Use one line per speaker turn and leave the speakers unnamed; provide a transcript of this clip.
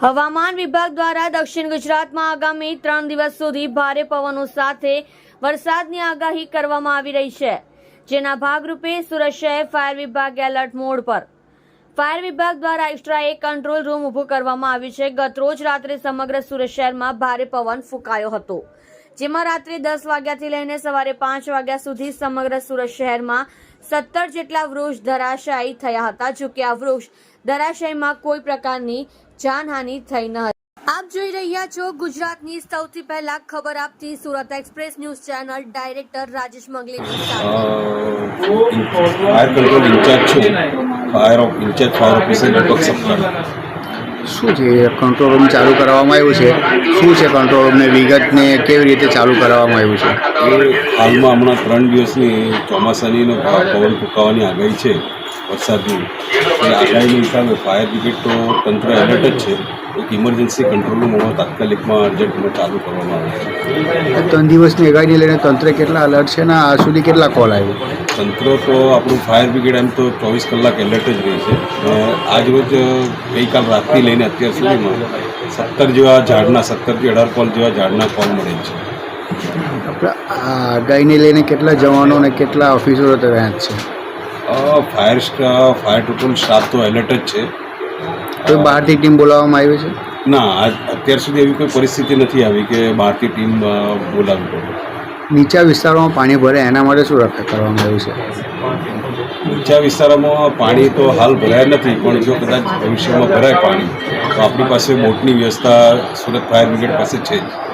હવામાન વિભાગ દ્વારા દક્ષિણ ગુજરાતમાં આગામી 3 દિવસ સુધી ભારે પવનો સાથે વરસાદની આગાહી કરવામાં આવી રહી છે, જેના ભાગરૂપે સુરત શહેર ફાયર વિભાગ એલર્ટ મોડ પર. ફાયર વિભાગ દ્વારા એક્સ્ટ્રા એક કંટ્રોલ રૂમ ઊભું કરવામાં આવ્યું છે. ગતરોજ રાત્રે સમગ્ર સુરત શહેરમાં ભારે પવન ફૂંકાયો હતો, જેમાં રાત્રે 10 વાગ્યાથી લઈને સવારે 5 વાગ્યા સુધી સમગ્ર સુરત શહેરમાં 17 જેટલા વૃક્ષ ધરાશાયી થયા હતા. જોકે આ વૃક્ષ ધરાશાયીમાં કોઈ પ્રકારની જાનહાનિ થઈ ન હતી. આપ જોઈ રહ્યા છો ગુજરાતની સૌથી પહેલા ખબર આપતી Surat express news channel. Director Rajesh મંગલેની સાથે
ફાયર કંટ્રોલ ઇન્ચાર્જ છું, ઇન્ચાર્જ ફાયર ઓફિસર દીપક સપ્તાહ.
શું છે કંટ્રોલ રૂમ ચાલુ કરવામાં આવ્યું છે? શું છે કંટ્રોલ રૂમને વિગતને કેવી રીતે ચાલુ કરવામાં આવ્યું છે?
એ હાલમાં હમણાં 3 દિવસની ચોમાસાની પવન ફૂંકાવાની આગાહી છે, વરસાદની. એ આગાહીના હિસાબે ફાયર બ્રિગેડ તો તંત્ર એલર્ટ જ છે. એક ઇમરજન્સી કંટ્રોલ રૂમ હમણાં તાત્કાલિકમાં અર્જન્ટમાં ચાલુ કરવામાં આવે છે.
3 દિવસની આગાહીને લઈને તંત્ર કેટલા અલર્ટ છે ને આ સુધી કેટલા કોલ આવ્યો?
તંત્ર તો આપણું ફાયર બ્રિગેડ એમ તો 24 કલાક એલર્ટ જ રહી છે. આજ રોજ ગઈકાલ રાતથી લઈને અત્યાર સુધીમાં 17 જેવા ઝાડના 17 થી 18 કોલ જેવા ઝાડના કોલ મળે છે.
આપણે આ આગાહીને લઈને કેટલા જવાનો અને કેટલા ઓફિસરો તૈયાર છે?
ફાયર ટોટલ સ્ટાફ તો એલર્ટ જ છે.
કોઈ બહારથી ટીમ બોલાવવામાં આવી છે?
ના, અત્યાર સુધી એવી કોઈ પરિસ્થિતિ નથી આવી કે બહારથી ટીમ બોલાવવી પડે.
નીચા વિસ્તારોમાં પાણી ભરે એના માટે શું રક્ષા કરવામાં આવ્યું છે?
નીચા વિસ્તારોમાં પાણી તો હાલ ભરાયા નથી, પણ જો કદાચ ભવિષ્યમાં ભરાય પાણી તો આપણી પાસે બોટની વ્યવસ્થા સુરત ફાયર બ્રિગેડ પાસે છે જ.